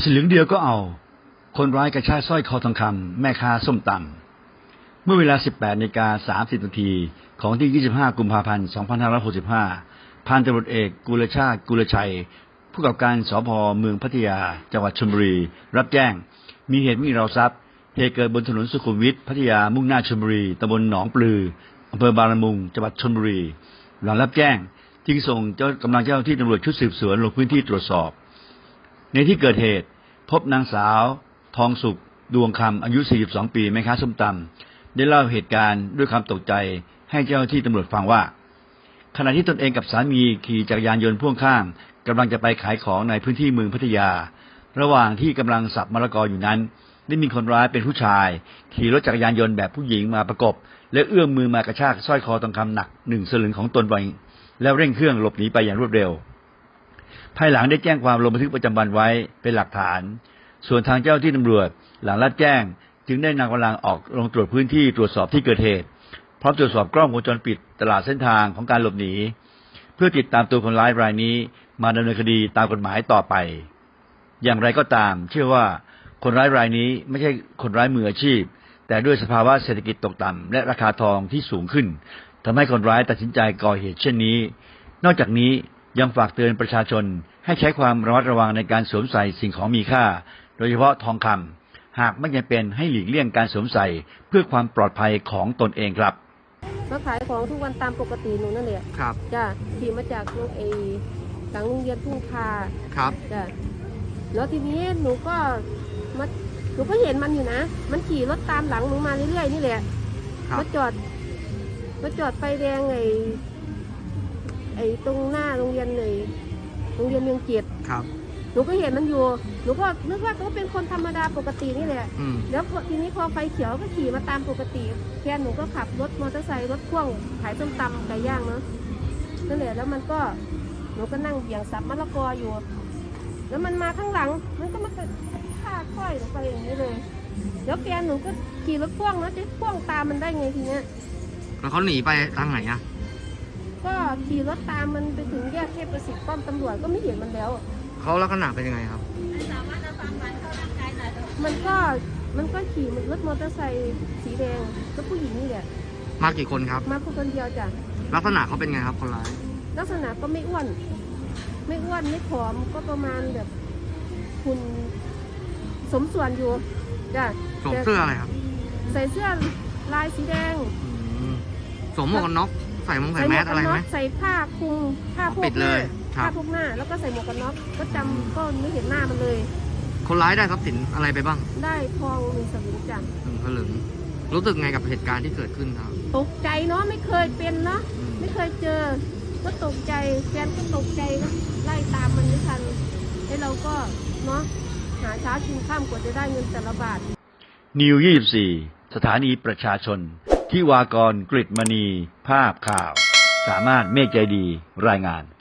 สลึงเดียวก็เอาคนร้ายกระชากสร้อยคอทองคำแม่ค้าส้มตำเมื่อเวลา 18:30 น.ของที่ 25 กุมภาพันธ์ 2565 พันตำรวจเอกกุลชาติกุลชัยผู้กำกับการสภ.เมืองพัทยาจังหวัดชลบุรีรับแจ้งมีเหตุไม่มีราวทรัพย์เหตุเกิดบนถนนสุขุมวิทพัทยามุ่งหน้าชลบุรีตำบลหนองปลืออำเภอบางละมุงจังหวัดชลบุรีหลังรับแจ้งจึงส่งกำลังเจ้าหน้าที่ตำรวจชุดสืบสวนลงพื้นที่ตรวจสอบในที่เกิดเหตุพบนางสาวทองสุขดวงคำอายุ 42 ปีแม่ค้าส้มตำได้เล่าเหตุการณ์ด้วยความตกใจให้เจ้าหน้าที่ตำรวจฟังว่าขณะที่ตนเองกับสามีขี่จักรยานยนต์พ่วงข้างกำลังจะไปขายของในพื้นที่เมืองพัทยาระหว่างที่กำลังสับมะละกออยู่นั้นได้มีคนร้ายเป็นผู้ชายขี่รถจักรยานยนต์แบบผู้หญิงมาประกบและเอื้อมมือมากระชากสร้อยคอทองคำหนัก1 สลึงของตนไปแล้วเร่งเครื่องหลบหนีไปอย่างรวดเร็วภายหลังได้แจ้งความลงบันทึกประจำวันไว้เป็นหลักฐานส่วนทางเจ้าหน้าที่ตำรวจหลังรับแจ้งจึงได้นำกำลังออกลงตรวจพื้นที่ตรวจสอบที่เกิดเหตุพร้อมตรวจสอบกล้องวงจรปิดตลอดเส้นทางของการหลบหนีเพื่อติดตามตัวคนร้ายรายนี้มาดำเนินคดีตามกฎหมายต่อไปอย่างไรก็ตามเชื่อว่าคนร้ายรายนี้ไม่ใช่คนร้ายมืออาชีพแต่ด้วยสภาวะเศรษฐกิจตกต่ำและราคาทองที่สูงขึ้นทำให้คนร้ายตัดสินใจก่อเหตุเช่นนี้นอกจากนี้ยังฝากเตือนประชาชนให้ใช้ความระมัดระวังในการสวมใส่สิ่งของมีค่าโดยเฉพาะทองคำหากไม่จำเป็นให้หลีกเลี่ยงการสวมใส่เพื่อความปลอดภัยของตนเองครับมาขายของทุกวันตามปกติหนูนั่นแหละครับจ้ะขี่มาจากโรงหลังโรงเรียนทุ่งคาครับจ้ะแล้วทีนี้หนูก็เห็นมันอยู่นะมันขี่รถตามหลังหนูมาเรื่อยๆนี่แหละมาจอดไฟแดงตรงหน้าโรงเรียนโรงเรียนเมืองเกียรติครับหนูก็เห็นมันอยู่หนูก็นึกว่าเขาเป็นคนธรรมดาปกตินี่แหละแล้วทีนี้พอไฟเขียวก็ขี่มาตามปกติแฟนหนูก็ขับรถมอเตอร์ไซค์รถพ่วงขายส้มตำไก่ย่างเนาะนั่นแหละแล้วมันก็หนูก็นั่งเบี่ยงสับมะละกออยู่แล้วมันมาข้างหลังมันก็มาฆ่าค่อยลงไปอย่างนี้เลยแล้วแฟนหนูก็ขี่รถพ่วงนะจะพ่วงตามมันได้ไงทีเนี้ยแล้วเขาหนีไปทางไหนอะก็ขี่รถตามมันไปถึงแยกเทพประสิทธิ์ป้อมตำรวจก็ไม่เห็นมันแล้วเขาลักษณะเป็นยังไงครับมันก็ขี่รถมอเตอร์ไซค์สีแดงก็ผู้หญิงนี่แหละมากี่คนครับมาคนเดียวจ้ะลักษณะเขาเป็นไงครับคนร้ายลักษณะก็ไม่อ้วนไม่ผอมก็ประมาณแบบคุณสมส่วนอยู่จ้ะสวมเสื้ออะไรครับใส่เสื้อลายสีแดงสวมหมวกกันน็อกใส่แมสอะไรไหมใส่ผ้าคลุมผ้าพวกหน้าแล้วก็ใส่หมวกกันน็อกก็จำก็ไม่เห็นหน้ามันเลยคนร้ายได้ทรัพย์สินอะไรไปบ้างได้ทอง1 สลึงจ้ะ 1 สลึงรู้สึกไงกับเหตุการณ์ที่เกิดขึ้นครับตกใจเนาะไม่เคยเป็นเนาะไม่เคยเจอก็ตกใจแฟนก็ตกใจก็ไล่ตามมันไม่ทันให้เราก็เนาะหาเช้ากินข้ามกว่าจะได้เงินแต่ละบาทนิว 24 สถานีประชาชนที่วากรกฤตมณีภาพข่าวสามารถเมฆใจดีรายงาน